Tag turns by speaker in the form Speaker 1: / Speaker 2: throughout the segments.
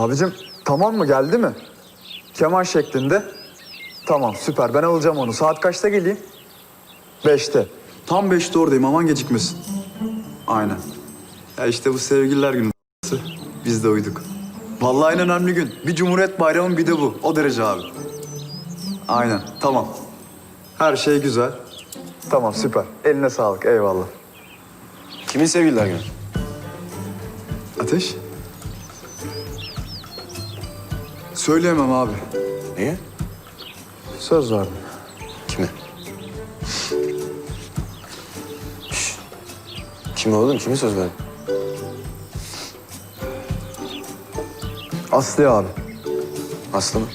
Speaker 1: Abicim tamam mı, geldi mi? Keman şeklinde. Tamam süper, ben alacağım onu. Saat kaçta geleyim? 5'te. Tam 5'te oradayım, aman gecikmesin. Aynen. Ya işte bu sevgililer günü biz de uyduk. Vallahi en önemli gün. Bir Cumhuriyet Bayramı, bir de bu. O derece abi. Aynen, tamam. Her şey güzel. Tamam süper. Eline sağlık, eyvallah.
Speaker 2: Kimin sevgililer günü?
Speaker 1: Ateş? Söyleyemem abi.
Speaker 2: Niye?
Speaker 1: Söz verdim.
Speaker 2: Kime? Kime oğlum? Kime söz verdin?
Speaker 1: Aslı abi.
Speaker 2: Aslı mı?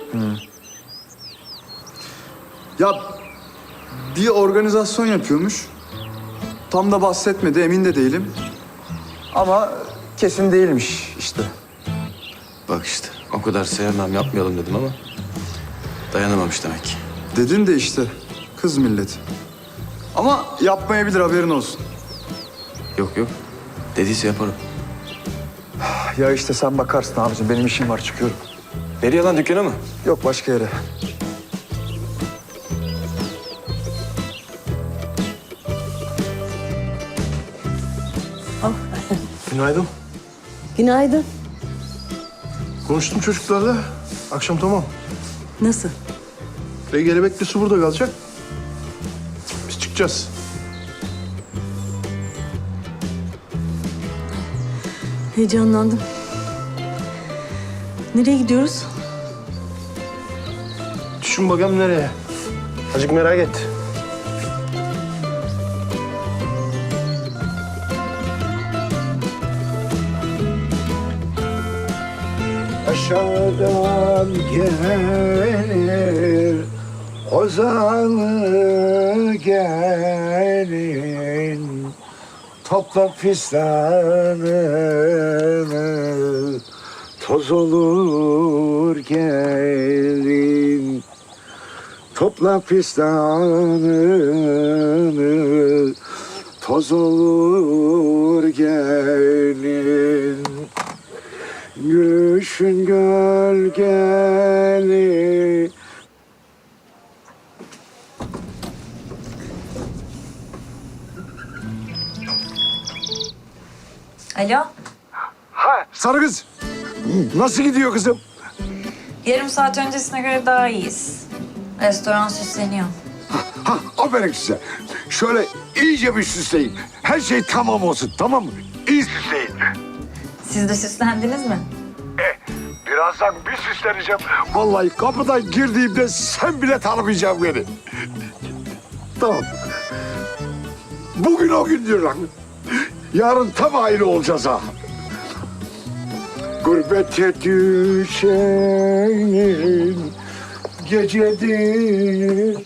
Speaker 1: Ya bir organizasyon yapıyormuş. Tam da bahsetmedi, emin de değilim. Ama kesin değilmiş işte.
Speaker 2: Bak işte o kadar sevmem yapmayalım dedim ama dayanamamış demek ki.
Speaker 1: Dedin de işte kız milleti. Ama yapmayabilir, haberin olsun.
Speaker 2: Yok yok. Dediyse yaparım.
Speaker 1: Ya işte sen bakarsın abicim, benim işim var, çıkıyorum.
Speaker 2: Nereye lan, dükkana mı?
Speaker 1: Yok, başka yere.
Speaker 3: Günaydın.
Speaker 4: Günaydın.
Speaker 3: Konuştum çocuklarla. Akşam tamam.
Speaker 4: Nasıl?
Speaker 3: Kelebekli su burada kalacak. Biz çıkacağız.
Speaker 4: Heyecanlandım. Nereye gidiyoruz?
Speaker 3: Düşün bakalım nereye. Azıcık merak et. Aşağıdan gelir Ozanlı gelin, topla fistanını, toz olur gelin. Topla fistanını, toz olur gelin. Gülüşün gölgeli.
Speaker 5: Alo,
Speaker 3: Ha, sarı kız. Nasıl gidiyor kızım?
Speaker 5: yarım saat öncesine göre daha iyiyiz. Restoran süsleniyor.
Speaker 3: Ha, aferin size. Şöyle iyice bir süsleyin. Her şey tamam olsun, tamam mı? İyi süsleyin.
Speaker 5: Siz de süslendiniz mi?
Speaker 3: Birazdan bir süsleneceğim. Vallahi kapıdan girdiğimde sen bile tanımayacaksın beni. Tamam. Bugün o gündür lan. Yarın tam aile olacağız ha. Gurbete düşenin gecedir.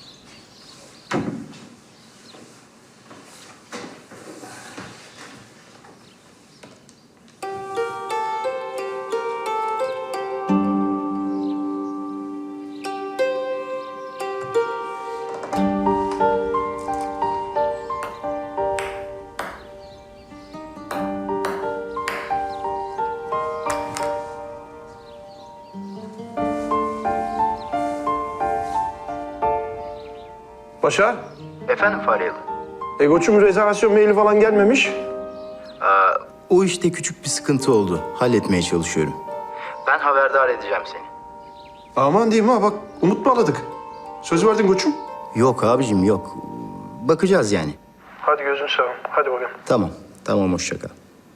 Speaker 3: Başar,
Speaker 6: Efendim Faryalı?
Speaker 3: Egoç'un rezervasyon maili falan gelmemiş.
Speaker 6: O işte küçük bir sıkıntı oldu. Halletmeye çalışıyorum. Ben haberdar edeceğim seni.
Speaker 3: Aman diyeyim ha, bak umut bağladık. Söz verdin koçum.
Speaker 6: Yok abicim yok. Bakacağız yani.
Speaker 3: Hadi gözün seveyim, hadi bakalım.
Speaker 6: Tamam, tamam hoşça kal.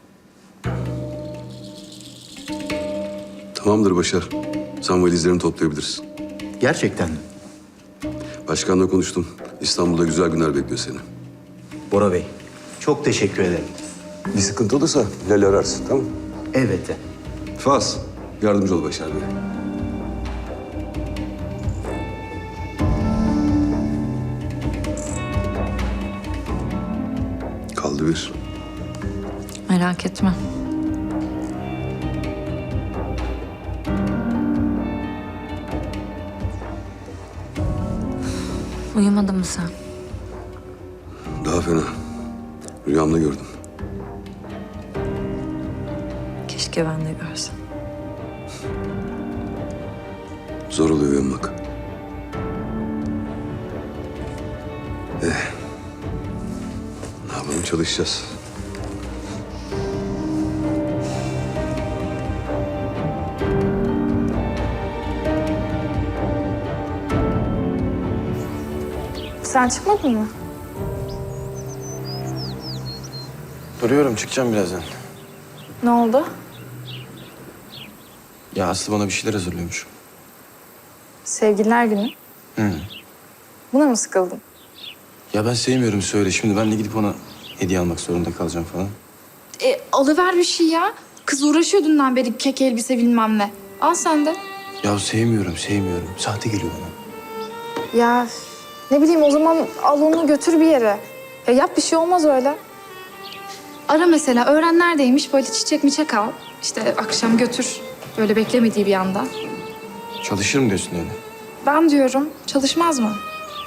Speaker 7: Tamamdır Başar. Sen valizlerini toplayabilirsin.
Speaker 6: Gerçekten mi?
Speaker 7: Başkanla konuştum. İstanbul'da güzel günler bekliyor seni.
Speaker 6: Bora Bey, çok teşekkür ederim.
Speaker 7: Bir sıkıntı olursa Lale ararsın, tamam mı?
Speaker 6: Elbette.
Speaker 7: Faz, yardımcı ol Başar Bey. Kaldı bir.
Speaker 5: Merak etme. Uyumadın mı sen?
Speaker 7: Daha fena. Rüyamda gördüm.
Speaker 5: Keşke ben de görsem.
Speaker 7: Zor oluyor uyanmak. Ne yapalım, çalışacağız.
Speaker 5: Sen çıkmadın mı?
Speaker 2: Duruyorum, çıkacağım birazdan.
Speaker 5: Ne oldu?
Speaker 2: Ya Aslı bana bir şeyler hazırlıyormuş.
Speaker 5: Sevgililer günü.
Speaker 2: Hı.
Speaker 5: Buna mı sıkıldın?
Speaker 2: Ya ben sevmiyorum söyle. Şimdi ben de gidip ona hediye almak zorunda kalacağım falan.
Speaker 8: Alıver bir şey ya. Kız uğraşıyor dünden beri kek elbise bilmem ne. Al sen de.
Speaker 2: Ya sevmiyorum. Sahte geliyor bana.
Speaker 8: Ya ne bileyim o zaman al onu götür bir yere. Ya yap bir şey olmaz öyle. Ara mesela öğren neredeymiş böyle çiçek miçek al. İşte akşam götür. Böyle beklemediği bir anda.
Speaker 2: Çalışırım diyorsun öyle.
Speaker 8: Ben diyorum çalışmaz mı?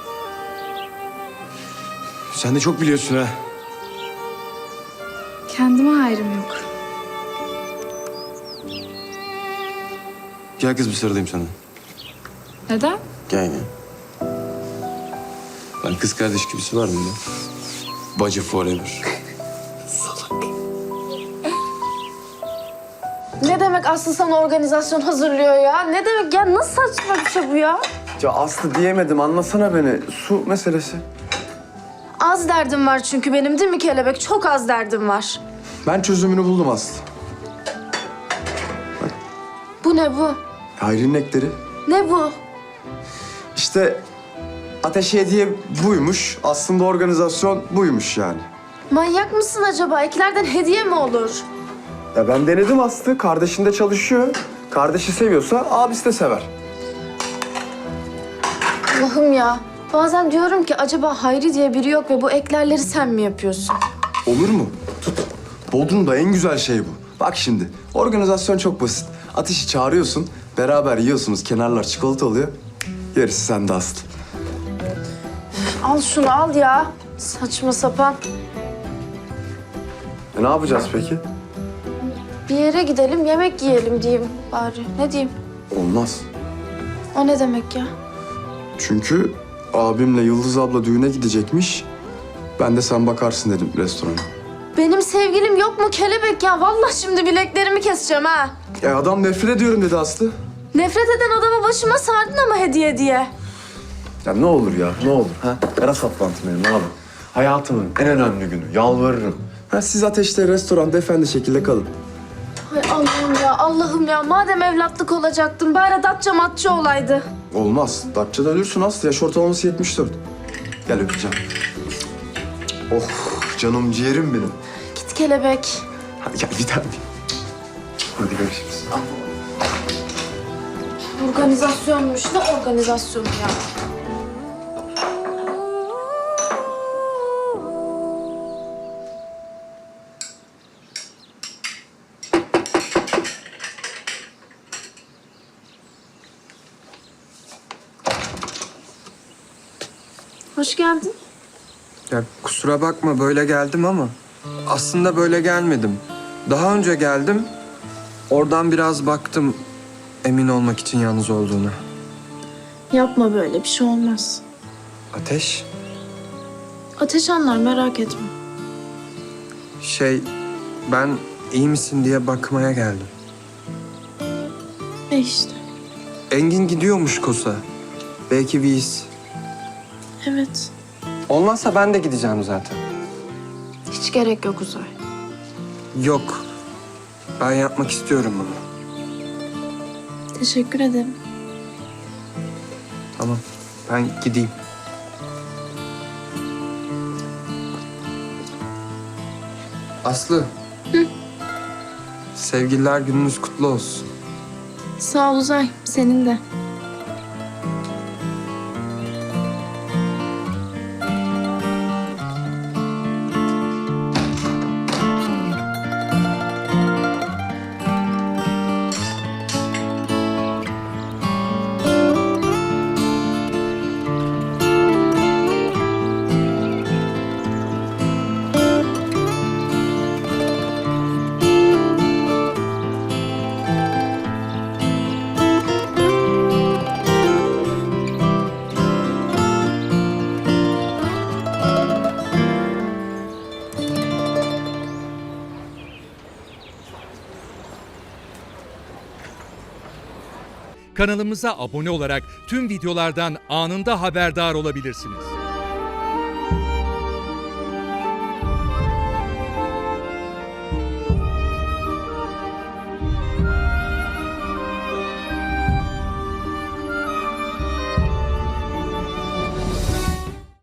Speaker 2: Sen de çok biliyorsun ha.
Speaker 8: Kendime hayrım yok.
Speaker 2: Gel kız bir sarılayım sana.
Speaker 8: Neden?
Speaker 2: Gel. Ben kız kardeş gibisi var mı ya? Bacı forever.
Speaker 9: Ne demek Aslı sana organizasyon hazırlıyor ya? Ne demek ya? Nasıl saçma bir şey bu ya?
Speaker 1: Ya Aslı diyemedim, anlasana beni. Su meselesi.
Speaker 9: Az derdim var çünkü benim değil mi kelebek? Çok az derdim var.
Speaker 1: Ben çözümünü buldum Aslı.
Speaker 9: Bu ne bu?
Speaker 1: Hayri'nin ekleri.
Speaker 9: Ne bu?
Speaker 1: İşte Ateş hediye buymuş. Aslında organizasyon buymuş yani.
Speaker 9: Manyak mısın acaba? Eklerden hediye mi olur?
Speaker 1: Ya ben denedim Aslı. Kardeşinde çalışıyor. Kardeşi seviyorsa abisi de sever.
Speaker 9: Allah'ım ya. Bazen diyorum ki acaba Hayri diye biri yok ve bu eklerleri sen mi yapıyorsun?
Speaker 1: Olur mu? Tut. Bodrum'da en güzel şey bu. Bak şimdi, organizasyon çok basit. Ateşi çağırıyorsun, beraber yiyorsunuz, kenarlar çikolata oluyor. Gerisi sende Aslı.
Speaker 9: Al şunu al ya. Saçma sapan.
Speaker 1: Ne yapacağız peki?
Speaker 9: Bir yere gidelim yemek yiyelim diyeyim bari. Ne diyeyim?
Speaker 1: Olmaz.
Speaker 9: O ne demek ya?
Speaker 1: Çünkü abimle Yıldız abla düğüne gidecekmiş. Ben de sen bakarsın dedim restorana.
Speaker 9: Benim sevgilim yok mu kelebek ya? Vallahi şimdi bileklerimi keseceğim ha.
Speaker 1: Ya adam nefret ediyorum dedi Aslı.
Speaker 9: Nefret eden adamı başıma sardın ama hediye diye.
Speaker 1: Ya ne olur ya, ne olur. Ha? Ara saplantı benim abi. Hayatımın en önemli günü, yalvarırım. Ha, siz Ateş'te restoranda efendi şekilde kalın.
Speaker 9: Ay Allah'ım ya, Allah'ım ya. Madem evlatlık olacaktım, bari datça matça olaydı.
Speaker 1: Olmaz. Datça'da ölürsün Aslı. Yaş ortalaması 74. Gel öpeceğim. Oh, canım ciğerim benim.
Speaker 9: Git kelebek.
Speaker 1: Hadi gel bir tane. Hadi görüşürüz.
Speaker 9: Organizasyonmuş. Ne organizasyonu ya? Hoş geldin.
Speaker 10: Ya kusura bakma böyle geldim ama aslında böyle gelmedim. Daha önce geldim. Oradan biraz baktım emin olmak için yalnız olduğuna.
Speaker 9: Yapma böyle, bir şey olmaz.
Speaker 10: Ateş,
Speaker 9: Ateş anlar, merak etme.
Speaker 10: ben iyi misin diye bakmaya geldim.
Speaker 9: İşte.
Speaker 10: Engin gidiyormuş Kosa. Belki bir iz.
Speaker 9: Evet.
Speaker 10: Olmazsa ben de gideceğim zaten.
Speaker 9: Hiç gerek yok Uzay.
Speaker 10: Yok. Ben yapmak istiyorum bunu.
Speaker 9: Teşekkür ederim.
Speaker 10: Tamam. Ben gideyim. Aslı. Sevgililer gününüz kutlu olsun.
Speaker 9: Sağ ol Uzay, senin de.
Speaker 11: Kanalımıza abone olarak tüm videolardan anında haberdar olabilirsiniz.